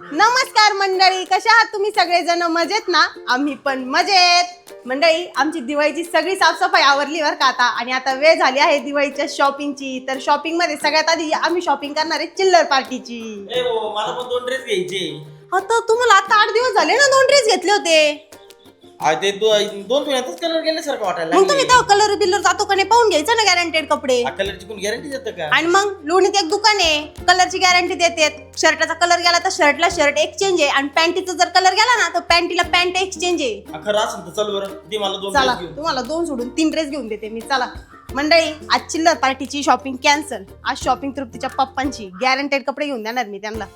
नमस्कार मंडळी, कशा आहात तुम्ही सगळेजण? मजेत ना? आम्ही पण मजेत. मंडळी, आमची दिवाळीची सगळी साफसफाई आवरली बरं का आता. आणि आता वेळ झाली आहे दिवाळीच्या शॉपिंगची. तर शॉपिंग मध्ये सगळ्यात आधी आम्ही शॉपिंग करणार आहे चिल्लर पार्टीची. मला पण 2 ड्रेस घ्यायचे. आता तुम्हाला आता 8 दिवस झाले ना 2 ड्रेस घेतले होते. ते दोन धुण्यातच कलर गेल्यासारखं वाटायला मग तुम्ही तेव्हा कलर बिलर जातो का नाही पाहून घ्यायचं ना गॅरंटेड कपडे. कलरची कोण गॅरंटी देतं का? आणि मग लोणीत एक दुकान आहे, कलरची गॅरंटी देतात. शर्टाचा कलर गेला तर शर्टला शर्ट एक्सचेंज आहे, आणि पॅन्टीचा जर कलर गेला ना तर पॅन्टीला पॅन्ट एक्सचेंज आहे. खरं असेल तर चल बरं, दे मला 2 चला, ड्रेस घेऊन. तुम्हाला 2 सोडून 3 ड्रेस घेऊन देते मी. चला मंडळी, आज चिल्लर पार्टीची शॉपिंग कॅन्सल. आज शॉपिंग तृप्तीच्या पप्पांची. गॅरंटेड कपडे घेऊन देणार मी त्यांना.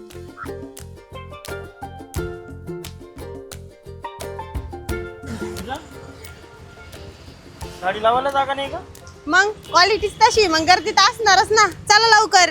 गाडी लावायला जागा नाही का? मग क्वालिटीच तशी, मग गर्दी तर असणारच ना. चला लवकर.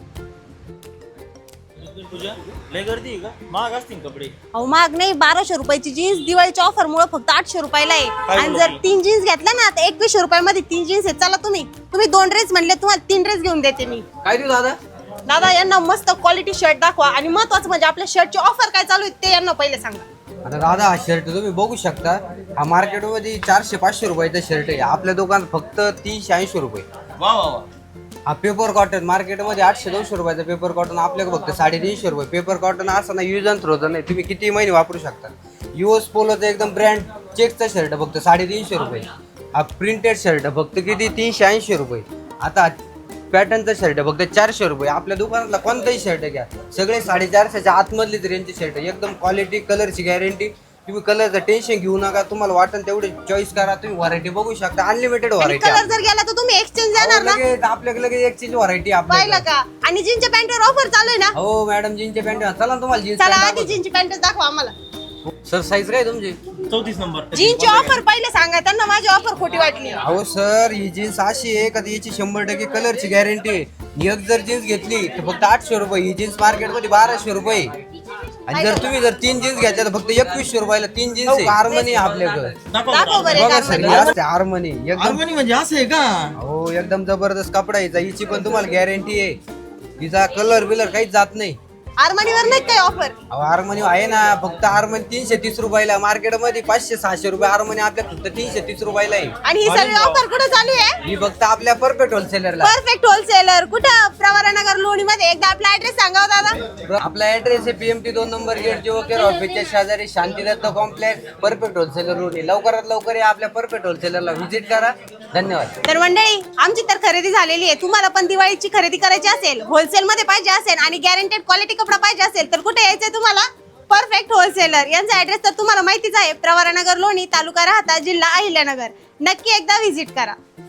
तुझ्या लय गर्दी आहे का? महाग असतील कपडे. अहो महाग नाही, 1200 रुपयाची जीन्स दिवाळीच्या ऑफर मुळे फक्त 800 रुपयाला आहे. आणि जर 3 जीन्स घेतल्या ना तर 2100 रुपयामध्ये 3 जीन्स आहे. चला तुम्ही 2 ड्रेस म्हणले, तुम्हाला 3 ड्रेस घेऊन देते मी. काय देऊ दादा? दादा यांना मस्त क्वालिटी शर्ट दाखवा, आणि महत्वाचं म्हणजे आपल्या शर्टची ऑफर काय चालू आहे ते यांना पहिले सांगा. आता दादा, हा शर्ट तुम्ही बघू शकता. हा मार्केटमध्ये 400-500 रुपयाचा शर्ट आहे. आपल्या दुकानात फक्त 380 रुपये. वा वा वा. हा पेपर कॉटन मार्केटमध्ये 800-900 रुपयाचा पेपर कॉटन, आपल्याकडे फक्त 350 रुपये. पेपर कॉटन असं ना, यूज अँड थ्रो नाही, तुम्ही किती महिने वापरू शकता. युएस पोलोचा एकदम ब्रँड चेकचा शर्ट फक्त 350 रुपये. हा प्रिंटेड शर्ट फक्त किती 380 रुपये. आता पॅटर्नचा शर्ट फक्त 400 रुपये. आपल्या दुकानातला कोणताही शर्ट घ्या, सगळे 450च्या आतमधलीच रेंजचे शर्ट. एकदम क्वालिटी, कलरची गॅरंटी. तुम्ही कलरचं टेन्शन घेऊ नका. तुम्हाला वाटेल तेवढे चॉईस करा. तुम्ही व्हरायटी बघू शकता, अनलिमिटेड व्हरायटी. कलर जर गेला तर तुम्ही एक्सचेंज देणार ना? आपल्याकडे लगेच एक्सचेंज व्हरायटी पाहिलं का? आणि जीन्सच्या पॅन्टवर ऑफर चालू आहे ना? हो मॅडम, जीन्सचे पॅन्ट चला तुम्हाला जीन्स चला आधी जीन्सची पॅन्ट दाखवा आम्हाला. सर, साईज काय तुमची? 34 नंबर. जीन्सची ऑफर पहिले सांगा त्यांना, माझी ऑफर खोटी वाटली. अहो सर, ही जीन्स अशी आहे का याची 100% कलरची गॅरंटी आहे. एक जर जीन्स घेतली तर फक्त 800 रुपये. ही जीन्स मार्केटमध्ये 1200 रुपये. आणि जर तुम्ही 3 जीन्स घ्यायच्या तर फक्त 2100 रुपयाला 3 जीन्स आहे. हार्मनी आपल्याकडे दाखव बरं बघा एक सर, ही हार्मनी. असते हार्मनी. एकदम हार्मनी म्हणजे असं आहे का? हो, एकदम जबरदस्त कपडा आहे. हिची पण तुम्हाला गॅरंटी आहे. हिचा कलर बिलर काहीच जात नाही. हार्मनीवर नाही काय ऑफर? हार्मनी आहे ना, फक्त हार्मनी 330 रुपयाला. मार्केटमध्ये 500-600 रुपये हार्मनी, आपल्या फक्त 330 रुपयाला आहे. आणि ही सगळी ऑफर कुठे चालू आहे? ही फक्त आपल्या परफेक्ट होलसेलरला. परफेक्ट होलसेलर कुठं? प्रवरानगर लोणी मध्ये. एकदा आपला ऍड्रेस सांगा हो दादा. आपला ऍड्रेस आहे PMT 2 नंबर गेट, जीवकेर ऑफिसच्या शेजारी, Shantidatt complex, perfect wholesaler road. लवकरात लवकर या आपल्या परफेक्ट होलसेलरला व्हिजिट करा. धन्यवाद. तर मंडळी, आमची तर खरेदी झालेली आहे. तुम्हाला पण दिवाळीची खरेदी करायची असेल, होलसेल मध्ये पाहिजे असेल आणि गॅरंटेड क्वालिटी कपडा पाहिजे असेल तर कुठे यायचंय तुम्हाला? Perfect wholesaler. यांचा ऍड्रेस तर तुम्हाला माहितीच आहे, प्रवरानगर लोणी, तालुका राहता, जिल्हा अहिल्यानगर. नक्की एकदा व्हिजिट करा.